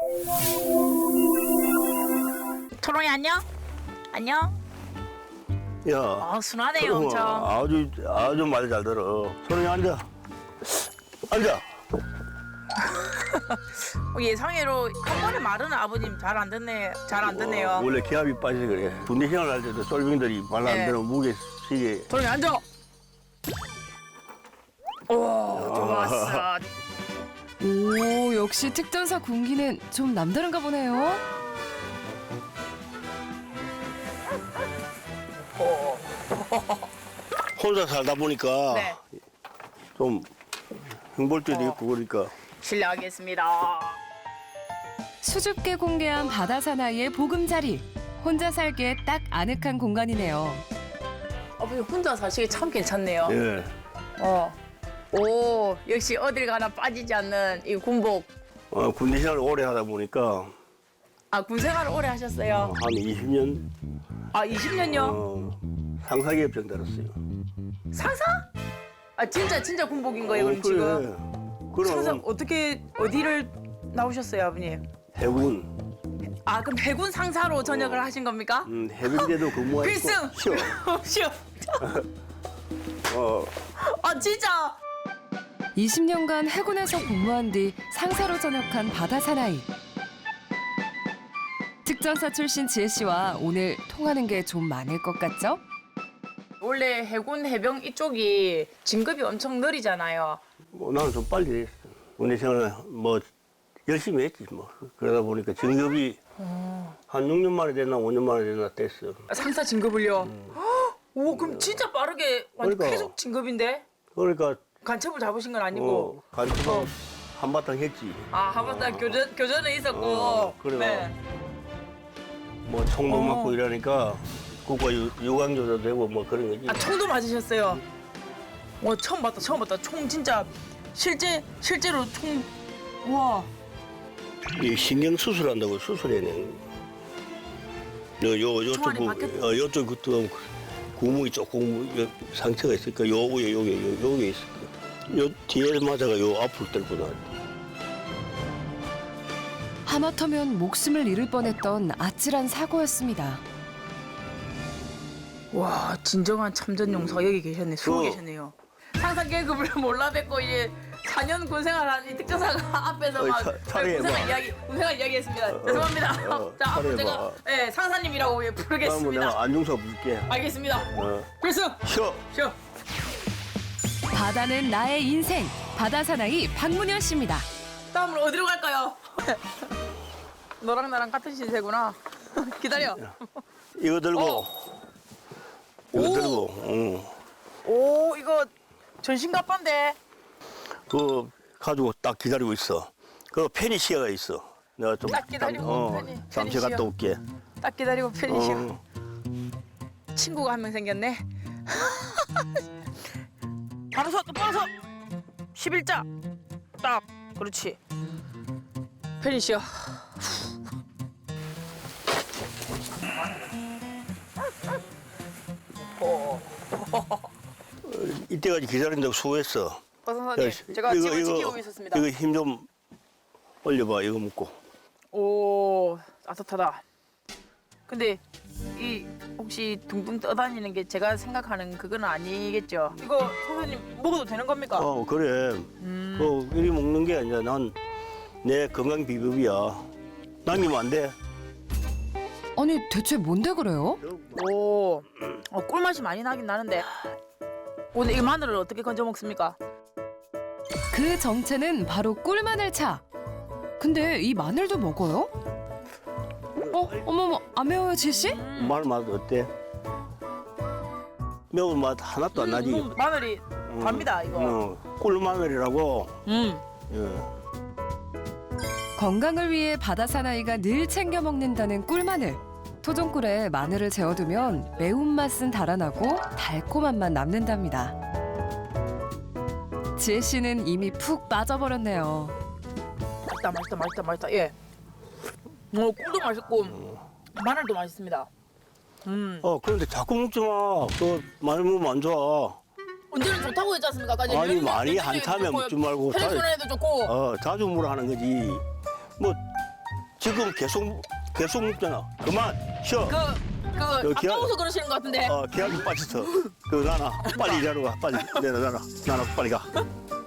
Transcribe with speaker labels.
Speaker 1: 초롱이 안녕? 안녕?
Speaker 2: 야,
Speaker 1: 순하네요 엄청.
Speaker 2: 아주 말 잘 들어. 소리 앉아. 앉아.
Speaker 1: 예상외로 한 번에 말은 아버님 잘 안 듣네요.
Speaker 2: 원래 기압이 빠져서 그래. 군대 생활할 때도 쫄병들이 말 안
Speaker 1: 네.
Speaker 2: 들으면 무게 시게.
Speaker 1: 초롱이 앉아. 오 좋았어.
Speaker 3: 오, 역시 특전사 군기는 좀 남다른가 보네요.
Speaker 2: 혼자 살다 보니까
Speaker 1: 네.
Speaker 2: 좀 흉볼 때도 있고 그러니까.
Speaker 1: 실례하겠습니다.
Speaker 3: 수줍게 공개한 바다 사나이의 보금자리. 혼자 살기에 딱 아늑한 공간이네요.
Speaker 1: 아버님 혼자 사시기 참 괜찮네요.
Speaker 2: 예.
Speaker 1: 오 역시 어딜 가나 빠지지 않는 이 군복.
Speaker 2: 군대 생활을 오래 하다 보니까
Speaker 1: 아 군생활을 오래 하셨어요.
Speaker 2: 한 20년
Speaker 1: 20년요?
Speaker 2: 상사기업장 달았어요.
Speaker 1: 상사? 아 진짜 군복인 거예요 그럼 지금?
Speaker 2: 그럼
Speaker 1: 상사 어떻게 어디를 나오셨어요 아버님?
Speaker 2: 해군.
Speaker 1: 아 그럼 해군 상사로 전역을 하신 겁니까?
Speaker 2: 해병대도 근무하고
Speaker 1: 필승!
Speaker 2: 쉬어.
Speaker 1: 쉬어.
Speaker 2: 어,
Speaker 1: 아 진짜?
Speaker 3: 20년간 해군에서 복무한 뒤 상사로 전역한 바다 사나이. 특전사 출신 지혜 씨와 오늘 통하는 게 좀 많을 것 같죠?
Speaker 1: 원래 해군 해병 이쪽이 진급이 엄청 느리잖아요.
Speaker 2: 나는 좀 빨리 했어. 군대 생활 뭐 열심히 했지 뭐. 그러다 보니까 진급이 한 6년 만에 됐나 5년 만에 됐나 됐어.
Speaker 1: 상사 진급을요? 오 그럼 진짜 빠르게 완전
Speaker 2: 그러니까.
Speaker 1: 계속 진급인데?
Speaker 2: 그러니까
Speaker 1: 간첩을 잡으신 건 아니고?
Speaker 2: 간첩은 한바탕 했지.
Speaker 1: 아 한바탕 교전에 있었고.
Speaker 2: 그래.
Speaker 1: 네.
Speaker 2: 뭐 총도 맞고 이러니까 국가 유관교도 되고 뭐 그런 거지.
Speaker 1: 아 총도 맞으셨어요? 와 처음 봤다. 총 진짜 실제로 총. 우와.
Speaker 2: 이 신경 수술한다고 수술해내.
Speaker 1: 총알이 박혔-
Speaker 2: 요쪽 그또 구멍이 조금 상처가 있으니까 요게 있을 거야. 요 뒤에 맞아가 요 앞으로 들고 나.
Speaker 3: 하마터면 목숨을 잃을 뻔했던 아찔한 사고였습니다.
Speaker 1: 와 진정한 참전 용사가 여기 계셨네. 숨어
Speaker 2: 어.
Speaker 1: 계셨네요. 상상 계급을 몰라 뵙고 이제 4년 군생활한 이 특전사가 앞에서 막
Speaker 2: 차례해봐.
Speaker 1: 군생활 이야기했습니다. 죄송합니다. 자 앞으로 제가
Speaker 2: 차례해봐.
Speaker 1: 상사님이라고
Speaker 2: 그러면
Speaker 1: 부르겠습니다.
Speaker 2: 내가 안중사 부를게.
Speaker 1: 알겠습니다. 필승.
Speaker 2: 쉬어.
Speaker 1: 쉬어.
Speaker 3: 바다는 나의 인생. 바다 사나이 박문현 씨입니다.
Speaker 1: 다음으로 어디로 갈까요? 너랑 나랑 같은 신세구나. 기다려.
Speaker 2: 이거 들고. 이거
Speaker 1: 오.
Speaker 2: 들고. 응.
Speaker 1: 오 이거 전신갑반데.
Speaker 2: 그거 가지고 딱 기다리고 있어. 그 페니시아가 있어. 내가 좀
Speaker 1: 딱 기다리고
Speaker 2: 잠시
Speaker 1: 페니시아.
Speaker 2: 갔다 올게.
Speaker 1: 딱 기다리고 편히쉬어.
Speaker 2: 어.
Speaker 1: 친구가 한 명 생겼네. 바로 서, 바로 서. 11자. 딱. 그렇지. 편히쉬어.
Speaker 2: 이때까지 기다린다고 수고했어.
Speaker 1: 선생님,
Speaker 2: 야,
Speaker 1: 제가 집을 지키고 있었습니다.
Speaker 2: 이거 힘 좀 올려봐. 이거 먹고.
Speaker 1: 오, 따뜻하다. 근데 이 혹시 둥둥 떠다니는 게 제가 생각하는 그건 아니겠죠? 이거 선생님 먹어도 되는 겁니까?
Speaker 2: 그래. 이리 먹는 게 아니라 난 내 건강 비법이야. 남기면 안 돼.
Speaker 3: 아니 대체 뭔데 그래요?
Speaker 1: 오, 꿀맛이 많이 나긴 나는데 오늘 이 마늘을 어떻게 건져 먹습니까?
Speaker 3: 그 정체는 바로 꿀마늘차. 근데 이 마늘도 먹어요? 어머머, 안 매워요, 지혜 씨?
Speaker 2: 마늘 맛 어때? 매운 맛 하나도 안 나지.
Speaker 1: 마늘이 답니다 이거.
Speaker 2: 꿀마늘이라고. 예.
Speaker 3: 건강을 위해 바다 사나이가 늘 챙겨 먹는다는 꿀마늘. 토종꿀에 마늘을 재워두면 매운맛은 달아나고 달콤한 맛 남는답니다. 지혜 씨는 이미 푹 빠져버렸네요.
Speaker 1: 맛있다. 예. 꿀도 맛있고 마늘도 맛있습니다.
Speaker 2: 그런데 자꾸 먹지 마. 그 많이 먹으면 안 좋아.
Speaker 1: 언제는 좋다고 했지 않습니까? 아까
Speaker 2: 아니 많이 한참에 먹지 말고
Speaker 1: 혈액순환에도 좋고.
Speaker 2: 자주 먹으라 하는 거지. 뭐 지금 계속 먹잖아. 그만 쉬어.
Speaker 1: 아까워서 그러시는 것 같은데.
Speaker 2: 계약이 빠졌어. 나나 빨리 일하러 가. 빨리 나나 빨리 가.